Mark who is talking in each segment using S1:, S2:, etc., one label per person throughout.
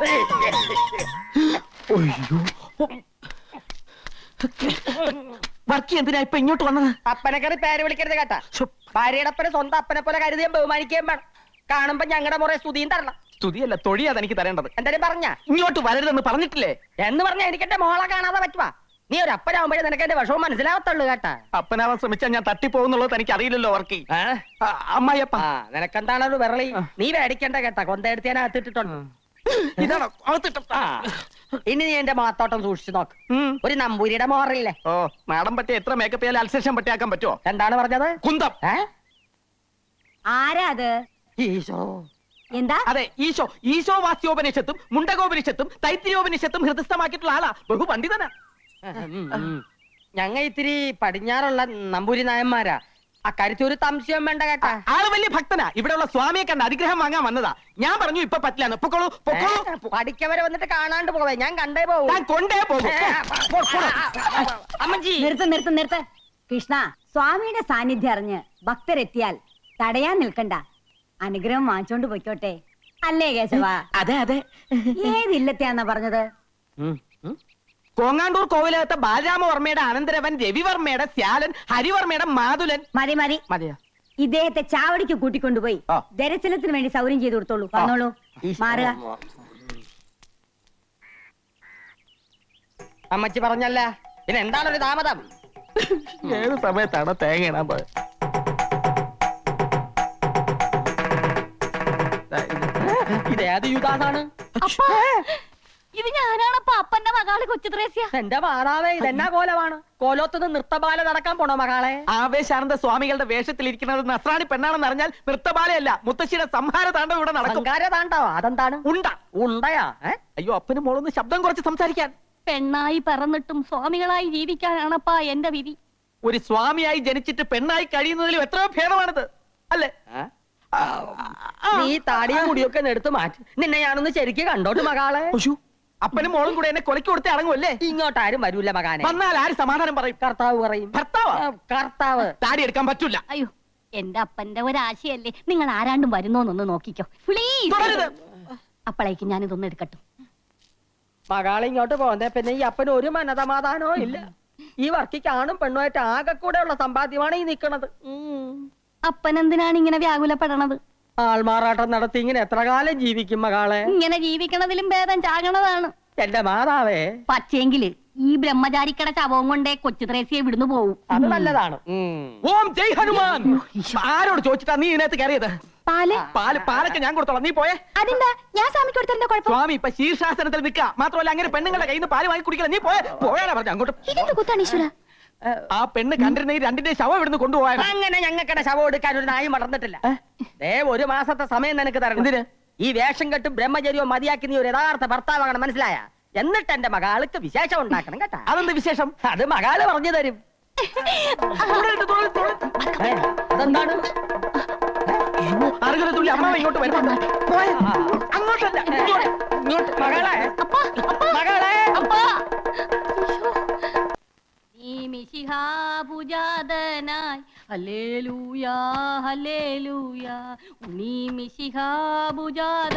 S1: വർക്കി എന്തിനാ ഇപ്പൊ ഇങ്ങോട്ട് വന്നത്?
S2: അപ്പനെ കയറി പേര് വിളിക്കരുത് കേട്ടാ. ഭാര്യയുടെ അപ്പനെ സ്വന്തം അപ്പനെ പോലെ കരുതിയും ബഹുമാനിക്കുകയും വേണം. കാണുമ്പോ ഞങ്ങളുടെ മുറേ സ്തുതിയും തരണം.
S1: സ്തുതിയല്ല, തൊഴിയാ എനിക്ക് തരേണ്ടത്.
S2: എന്തായാലും പറഞ്ഞ
S1: ഇങ്ങോട്ട് വരരുതെന്ന് പറഞ്ഞിട്ടില്ലേ?
S2: എന്ന് പറഞ്ഞാ എനിക്ക് എന്റെ മോളെ കാണാതെ പറ്റുവാ. നീ ഒരു അപ്പനാവുമ്പോഴേ നിനക്ക് എന്റെ വിഷമം മനസ്സിലാവത്തുള്ളൂ കേട്ടാ.
S1: അപ്പനാവാൻ ശ്രമിച്ചാൽ ഞാൻ തട്ടിപ്പോകുന്നുള്ളത് എനിക്ക് അറിയില്ലല്ലോ വർക്കി. അമ്മായിയപ്പ
S2: നിനക്കെന്താണ് ഒരു വിരളി? നീ മേടിക്കണ്ട കേട്ടാ. കൊന്തയെടുത്ത് ഞാൻ അകത്തിട്ടിട്ടുണ്ട്.
S1: ഇതാണോ
S2: ഇനി നീ എന്റെ മാത്തോട്ടം സൂക്ഷിച്ചു നോക്ക്. ഒരു നമ്പൂരിയുടെ മോറില്ലേ?
S1: ഓ, നാടൻ പറ്റി എത്ര മേക്കപ്പ് ചെയ്യാൻ അൽസേഷൻ പട്ടിയാക്കാൻ പറ്റുമോ?
S2: എന്താണ് പറഞ്ഞത്?
S1: കുന്തം.
S3: ആരാ അത്?
S2: ഈശോ.
S3: എന്താ?
S1: അതെ, ഈശോ. ഈശോ വാസ്യോപനിഷത്തും മുണ്ടകോപനിഷത്തും തൈത്തിരിയോപനിഷത്തും ഹൃദയസ്ഥമാക്കിയിട്ടുള്ള ആളാ. ബഹുപണ്ഡിതനാ.
S2: ഞങ്ങ ഇത്തിരി പടിഞ്ഞാറുള്ള നമ്പൂരി നായന്മാരാ. അക്കാര്യത്തിൽ ഒരു സംശയം വേണ്ട കേട്ടാ.
S1: ആള് വലിയ ഭക്തനാ. ഇവിടെയുള്ള സ്വാമിയെ കണ്ട് അനുഗ്രഹം വാങ്ങാൻ വന്നതാ. ഞാൻ പറഞ്ഞു ഇപ്പൊ പറ്റില്ലാന്ന്. പൊക്കോളൂ, പൊക്കോളൂ.
S2: പഠിക്കവരെ വന്നിട്ട് കാണാണ്ട് പോവേ. ഞാൻ കണ്ടേ പോവും.
S1: ഞാൻ കൊണ്ടേ പോകും.
S2: അമ്മജി
S3: നിർത്ത്. കൃഷ്ണ, സ്വാമിയുടെ സാന്നിധ്യം അറിഞ്ഞ് ഭക്തരെത്തിയാൽ തടയാൻ നിൽക്കണ്ട. അനുഗ്രഹം വാങ്ങിച്ചോണ്ട് പൊയ്ക്കോട്ടെ. അല്ലേ കേശവ?
S1: അതെ അതെ.
S3: ഏതില്ലത്തെയാന്നാ പറഞ്ഞത്?
S1: കോങ്ങാണ്ടൂർ കോവിലകത്തെ ബാലരാമവർമ്മയുടെ അനന്തരവൻ രവിവർമ്മയുടെ ശ്യാലൻ ഹരിവർമ്മയുടെ മാതുലൻ.
S3: മതി
S1: മതിയോ?
S3: ഇദ്ദേഹത്തെ ചാവടിക്ക് കൂട്ടിക്കൊണ്ടുപോയി ദർശനത്തിന് വേണ്ടി സൗകര്യം ചെയ്തു കൊടുത്തോളൂ. വന്നോളൂ, മാറുക.
S2: അമ്മച്ചി പറഞ്ഞല്ല, പിന്നെ എന്താണൊരു താമതം?
S1: ഏത് സമയത്താണ് തേങ്ങ ഇടാൻ പോയത്?
S2: ഇതേത് യുഗാണ്?
S3: ഇത് ഞാനാണപ്പോ അപ്പന്റെ മകള് കൊച്ചു ത്രേസ്യ.
S2: എന്റെ മാതാവേ, ഇതെന്നാ കോലമാണ്? കോലോത്തുനിന്ന് നൃത്തബാല നടക്കാൻ പോണോ മകളെ?
S1: ആവേശാനന്ദ സ്വാമികളുടെ വേഷത്തിലിരിക്കുന്നത് നസ്രാണി പെണ്ണാണെന്ന് അറിഞ്ഞാൽ നൃത്തബാലയല്ല, മുത്തശ്ശിയുടെ സംഹാര താണ്ഡവം ഇവിടെ നടക്കും.
S2: താണ്ടാവോ? അതെന്താണ്? ഉണ്ടയാ?
S1: അയ്യോ, അപ്പനും മോളൊന്ന് ശബ്ദം കുറച്ച് സംസാരിക്കാൻ.
S3: പെണ്ണായി പറന്നിട്ടും സ്വാമികളായി ജീവിക്കാനാണപ്പാ എന്റെ വിധി.
S1: ഒരു സ്വാമിയായി ജനിച്ചിട്ട് പെണ്ണായി കഴിയുന്നതിലും എത്രയോ ഭേദമാണിത്, അല്ലേ?
S2: നീ താടിയും മുടിയൊക്കെ എടുത്ത് മാറ്റി. നിന്നെ ഞാനൊന്ന് ശരിക്ക് കണ്ടോട്ട് മകളെ.
S1: അപ്പനും മോളും കൂടെ എന്നെ കൊലക്ക് കൊടുത്തേ അടങ്ങുമല്ലേ?
S2: ഇങ്ങോട്ടാരും വരൂല മകാനെ.
S1: വന്നാൽ ആര് സമാധാനം പറയും?
S2: കർത്താവ് പറയും. കർത്താവ്
S1: താടി എടുക്കാൻ പറ്റൂല.
S3: അയ്യോ, എന്റെ അപ്പന്റെ ഒരാശയല്ലേ. നിങ്ങൾ ആരാണ്ടും വരുന്നോന്നൊന്ന് നോക്കിക്കോ പ്ലീസ്. അപ്പോഴേക്കും ഞാനിതൊന്നും എടുക്കട്ടെ.
S2: മകളെ ഇങ്ങോട്ട് പോകുന്നേ പിന്നെ ഈ അപ്പന് ഒരു മനസമാധാനവും ഇല്ല. ഈ വർക്കിക്ക് ആണും പെണ്ണുമായിട്ട് ആകെ കൂടെ ഉള്ള സമ്പാദ്യമാണ് ഈ നിക്കണത്.
S3: അപ്പൻ എന്തിനാണ് ഇങ്ങനെ വ്യാകുലപ്പെടണത്?
S2: ആൾമാറാട്ടം നടത്തി ഇങ്ങനെ എത്ര കാലം ജീവിക്കും മകളെ?
S3: ഇങ്ങനെ ജീവിക്കണതിലും ഭേദം ചാകണതാണ്.
S2: എന്റെ മാതാവേ,
S3: പക്ഷേങ്കില് ഈ ബ്രഹ്മചാരിക്കട ശവവും കൊണ്ടേ കൊച്ചു ത്രേസ്യെ വിടുന്നു പോവും.
S2: അത് നല്ലതാണ്.
S1: ഓം ജയ് ഹനുമാൻ. ആരോട് ചോദിച്ചിട്ടാ നീ ഇതിനകത്ത് കയറിയത്? പാലൊക്കെ ഞാൻ കൊടുത്തോളാം, നീ പോയേ.
S3: അതെന്താ? ഞാൻ സ്വാമിക്ക് കൊടുത്തതിന്റെ കുഴപ്പം?
S1: സ്വാമി ഇപ്പൊ ശീർഷാസനത്തിൽ നിൽക്കുക. മാത്രമല്ല അങ്ങനെ പെണ്ണുങ്ങളുടെ കയ്യിൽ നിന്ന് പാല് വാങ്ങി കുടിക്കില്ല. നീ പോയാലാ പറഞ്ഞു അങ്ങോട്ട്.
S3: ഇതെന്ത് കുത്താണ് ഈശ്വര?
S1: ആ പെണ്ണ് കണ്ടിരുന്ന ഈ രണ്ടിന്റെ ശവം ഇവിടുന്ന് കൊണ്ടുപോയാ.
S2: അങ്ങനെ ഞങ്ങൾക്കിടെ ശവം എടുക്കാൻ ഒരു നായും വളർന്നിട്ടില്ല. ഒരു മാസത്തെ സമയം നിനക്ക് തരണം.
S1: എന്തിന്?
S2: ഈ വേഷം കെട്ടും ബ്രഹ്മചര്യവും മതിയാക്കി നീ ഒരു യഥാർത്ഥ ഭർത്താവാകണം, മനസ്സിലായ? എന്നിട്ട് എന്റെ മകാൾക്ക് വിശേഷം ഉണ്ടാക്കണം കേട്ടാ.
S1: അതെന്ത് വിശേഷം?
S2: അത് മകാള് പറഞ്ഞു തരും. അതെന്താണ്?
S1: അറുകരത്തുള്ളി അമ്മാവ ഇങ്ങോട്ട് വരുന്നുണ്ട്. അങ്ങോട്ടല്ല,
S2: ഇങ്ങോട്ട്. മകളെ, മകളെ,
S3: മിശിഹാപൂജാതനായി ഹല്ലേലൂയാ ഹല്ലേലൂയാ ഉണ്ണി മിശിഹാപൂജാത.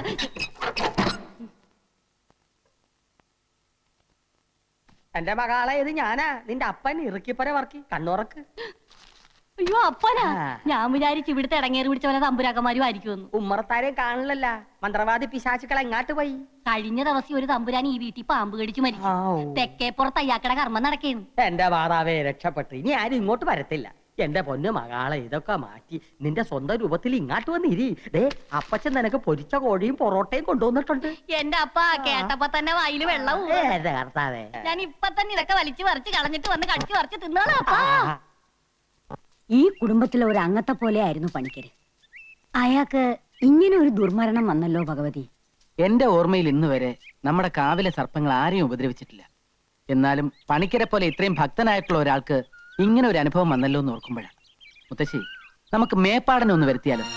S2: എന്റെ മകളെ, ഇത് ഞാനാ നിന്റെ അപ്പൻ ഇറുക്കിപ്പര വർക്കി. കണ്ണുറക്ക്.
S3: അയ്യോ, അപ്പനാ? ഞാൻ വിചാരിച്ചു ഇവിടുത്തെ ഇടങ്ങേറി പിടിച്ച പോലെ തമ്പുരാക്കന്മാരും ആയിരിക്കുമെന്ന്.
S2: ഉമ്മറത്താരെയും കാണില്ലല്ല. മന്ത്രവാദി പിശാചുക്കൾ എങ്ങാട്ട് പോയി?
S3: കഴിഞ്ഞ ദിവസം ഒരു തമ്പുരാൻ ഈ വീട്ടിൽ പാമ്പ് കടിച്ചു മരിച്ചു. തെക്കേപ്പുറത്ത് അയ്യാക്കട കർമ്മം നടക്കേന്നു.
S2: എന്റെ മാതാവേ, രക്ഷപ്പെട്ടു. ഇനി ആരും ഇങ്ങോട്ട് വരത്തില്ല. എന്റെ പൊന്നു മകളെ, ഇതൊക്കെ മാറ്റി നിന്റെ സ്വന്തം രൂപത്തിൽ ഇങ്ങാട്ട് വന്നിരി. അപ്പച്ചൻ നിനക്ക് പൊരിച്ച കോഴിയും പൊറോട്ടയും കൊണ്ടുവന്നിട്ടുണ്ട്.
S3: എന്റെ അപ്പ കേട്ടപ്പോ തന്നെ വായില് വെള്ളവും.
S2: കർത്താവേ,
S3: ഞാൻ ഇപ്പൊ തന്നെ ഇതൊക്കെ വലിച്ചു പറിച്ച് കളഞ്ഞിട്ട് വന്ന് കടിച്ചു പറിച്ച് തിന്നോളാം അപ്പാ. ഈ കുടുംബത്തിലെ ഒരു അംഗത്തെ പോലെ ആയിരുന്നു പണിക്കര്. അയാൾക്ക് ഇങ്ങനെ ഒരു ദുർമരണം വന്നല്ലോ ഭഗവതി.
S1: എന്റെ ഓർമ്മയിൽ ഇന്ന് വരെ നമ്മുടെ കാവിലെ സർപ്പങ്ങൾ ആരെയും ഉപദ്രവിച്ചിട്ടില്ല. എന്നാലും പണിക്കരെ പോലെ ഇത്രയും ഭക്തനായിട്ടുള്ള ഒരാൾക്ക് ഇങ്ങനെ ഒരു അനുഭവം വന്നല്ലോ എന്ന് ഓർക്കുമ്പോഴാണ്. മുത്തശ്ശി, നമുക്ക് മേപ്പാടനെ ഒന്ന് വരുത്തിയാലോ?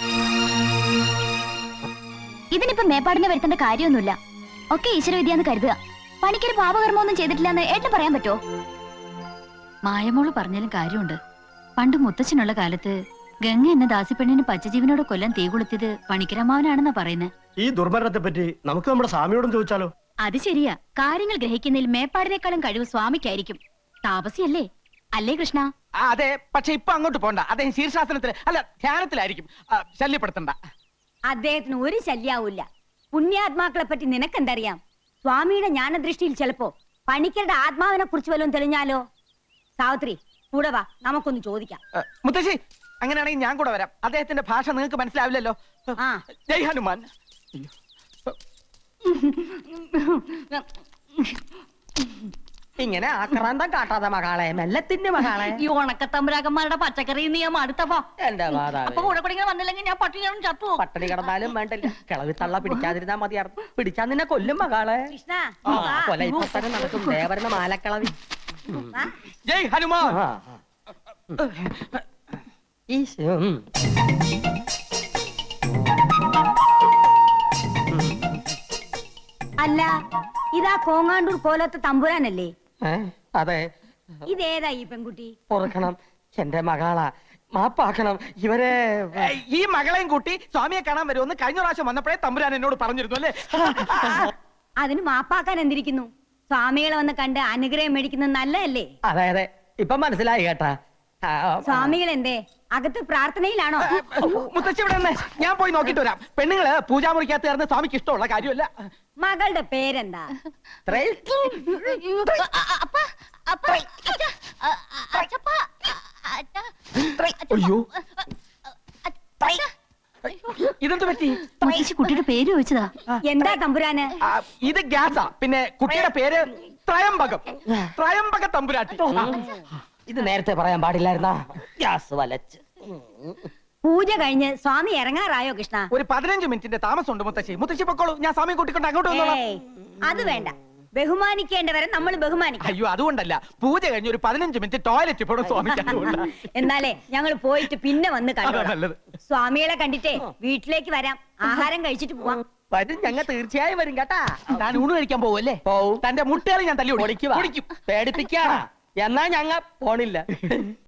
S3: ഇതിനിപ്പോ മേപ്പാടിനെ വരുത്തേണ്ട കാര്യമൊന്നുമില്ല. ഒക്കെ ഈശ്വരവിദ്യാന്ന് കരുതുക. പണിക്കര് പാപകർമ്മമൊന്നും ചെയ്തിട്ടില്ല എന്ന് ഏട്ടന് പറയാൻ പറ്റുമോ?
S4: മായമോള് പറഞ്ഞാലും കാര്യമുണ്ട്. പണ്ട് മുത്തച്ഛനുള്ള കാലത്ത് ഗംഗ എന്ന ദാസിപ്പെണ്ണിന് പച്ചജീവനോട് കൊല്ലം തീ കൊളുത്തിയത് പണിക്കരമാവനാണെന്നാ പറയുന്നത്.
S5: ഈ ദുർമരണത്തെ പറ്റി നമുക്ക് നമ്മുടെ സ്വാമിയോടും ചോദിച്ചാലോ?
S4: അത് ശരിയാ. കാര്യങ്ങൾ ഗ്രഹിക്കുന്നതിൽ മേപ്പാടിനേക്കാളും കഴിവ് സ്വാമിക്കായിരിക്കും. താപസിയല്ലേ അല്ലേ കൃഷ്ണ?
S1: അതെ, പക്ഷെ ഇപ്പൊ അങ്ങോട്ട് പോണ്ട. അദ്ദേഹം ശീർഷാസനത്തിൽ അല്ല ധ്യാനത്തിലായിരിക്കും. ശല്യപ്പെടുത്തണ്ട.
S3: അദ്ദേഹത്തിന് ഒരു ശല്യാവൂല്ല. പുണ്യാത്മാക്കളെ പറ്റി നിനക്കെന്തറിയാം? സ്വാമിയുടെ ജ്ഞാനദൃഷ്ടിയിൽ ചിലപ്പോ പണിക്കരുടെ ആത്മാവിനെ കുറിച്ച് വല്ലതും തെളിഞ്ഞാലോ? സാവിത്രി കൂടെ വാ, നമുക്കൊന്ന് ചോദിക്കാം.
S1: മുത്തശ്ശി, അങ്ങനെയാണെങ്കിൽ ഞാൻ കൂടെ വരാം. അദ്ദേഹത്തിന്റെ ഭാഷ നിങ്ങൾക്ക് മനസ്സിലാവില്ലല്ലോ.
S3: ആ.
S1: ജയ് ഹനുമാൻ.
S2: ഇങ്ങനെ ആക്രാന്തം കാട്ടാതെ മകളെ, മെല്ലത്തിന്റെ മകളെ.
S4: ഈ ഉണക്കത്തമ്പുരാക്കന്മാരുടെ പച്ചക്കറി നിയമം അടുത്തപ്പോ
S2: എന്റെ മാതാവേ,
S4: അപ്പൊ കൂടെ കൂടെ ഇങ്ങനെ വന്നില്ലെങ്കിൽ ഞാൻ പട്ടിണിയാണ് ചത്തു.
S2: പട്ടിണി കിടന്നാലും വേണ്ടില്ല, കിളവി തള്ള പിടിക്കാതിരുന്നാ മതിയായിരുന്നു. പിടിച്ചാ നിന്നെ കൊല്ലും മകളെ.
S3: കൃഷ്ണ
S2: ആ,
S3: വാ.
S2: കൊല ഇപ്പൊ തന്നെ നടക്കും. ദേവരുടെ മാലക്കിളവി.
S3: വാ.
S1: ജയ് ഹനുമാൻ.
S2: ആ, ആ. ഈശോ.
S3: അല്ല, ഇതാ കോങ്ങാണ്ടൂർ കോലത്തെ തമ്പുരാനല്ലേ?
S2: അതെ,
S3: ഇതേതാ ഈ പെൺകുട്ടി?
S2: ഓർക്കണം, എന്റെ മകളാ. മാപ്പാക്കണം ഇവരെ.
S1: ഈ മകളെയും കൂട്ടി സ്വാമിയെ കാണാൻ വരുമെന്ന് കഴിഞ്ഞ പ്രാവശ്യം വന്നപ്പോഴേ തമ്പുരാൻ എന്നോട് പറഞ്ഞിരുന്നു അല്ലേ?
S3: അതിന് മാപ്പാക്കാൻ എന്തിരിക്കുന്നു? സ്വാമികളെ വന്ന് കണ്ട് അനുഗ്രഹം മേടിക്കുന്നത് നല്ലതല്ലേ?
S2: അതെ അതെ, ഇപ്പൊ മനസ്സിലായി കേട്ടാ.
S3: സ്വാമികൾ എന്തേ അകത്ത് പ്രാർത്ഥനയിലാണോ?
S1: മുത്തശ്ശി ഇവിടെ നിന്ന് ഞാൻ പോയി നോക്കിട്ട് വരാം. പെണ്ണുങ്ങള് പൂജാമുറിക്കകത്ത് ചേർന്ന് സ്വാമിക്ക് ഇഷ്ടമുള്ള കാര്യമല്ല.
S3: മകളുടെ പേരെന്താ?
S1: അയ്യോ, ഇതെന്ത് പറ്റി?
S4: മുത്തശ്ശി കുട്ടിയുടെ പേര് ചോദിച്ചതാ.
S3: എന്താ തമ്പുരാന്?
S1: ഇത് ഗ്യാസാ. പിന്നെ കുട്ടിയുടെ പേര് ത്രയംബകം. ത്രയംബക തമ്പുരാട്ടി.
S2: ഇത് നേരത്തെ പറയാൻ പാടില്ലായിരുന്നാ? ഗ്യാസ് വലച്ച്.
S3: പൂജ കഴിഞ്ഞ് സ്വാമി ഇറങ്ങാറായോ കൃഷ്ണ?
S1: ഒരു 15 മിനിറ്റിന്റെ താമസമുണ്ട് മുത്തശ്ശി. മുത്തശ്ശി പൊക്കോളൂ, ഞാൻ സ്വാമി കൂട്ടിക്കൊണ്ട് അങ്ങോട്ട് വന്നോളാം.
S3: ഏയ്, അത് വേണ്ട. ബഹുമാനിക്കേണ്ടവരെ നമ്മൾ ബഹുമാനിക്കണം.
S1: അയ്യോ, അതുകൊണ്ടല്ല. പൂജ കഴിഞ്ഞ് ഒരു 15 മിനിറ്റ് ടോയ്ലറ്റ് പോണം സ്വാമിക്ക്. അതുകൊണ്ടാ.
S3: എന്നാലേ ഞങ്ങൾ പോയിട്ട് പിന്നെ വന്ന്
S1: അതാ
S3: കണ്ടോളാം.
S1: നല്ലത്.
S3: സ്വാമികളെ കണ്ടിട്ടേ വീട്ടിലേക്ക് വരാം. ആഹാരം കഴിച്ചിട്ട് പോവാം.
S2: വരും, ഞങ്ങൾ തീർച്ചയായും വരും കേട്ടാ.
S1: താൻ ഊണ് കഴിക്കാൻ പോവല്ലേ?
S2: പോവും.
S1: തന്റെ മുട്ടേറി ഞാൻ തല്ലി
S2: പൊളിക്കുവാ.
S1: പൊളിക്കും.
S2: പേടിപ്പിക്കാ. എന്നാ ഞങ്ങ പോണില്ല.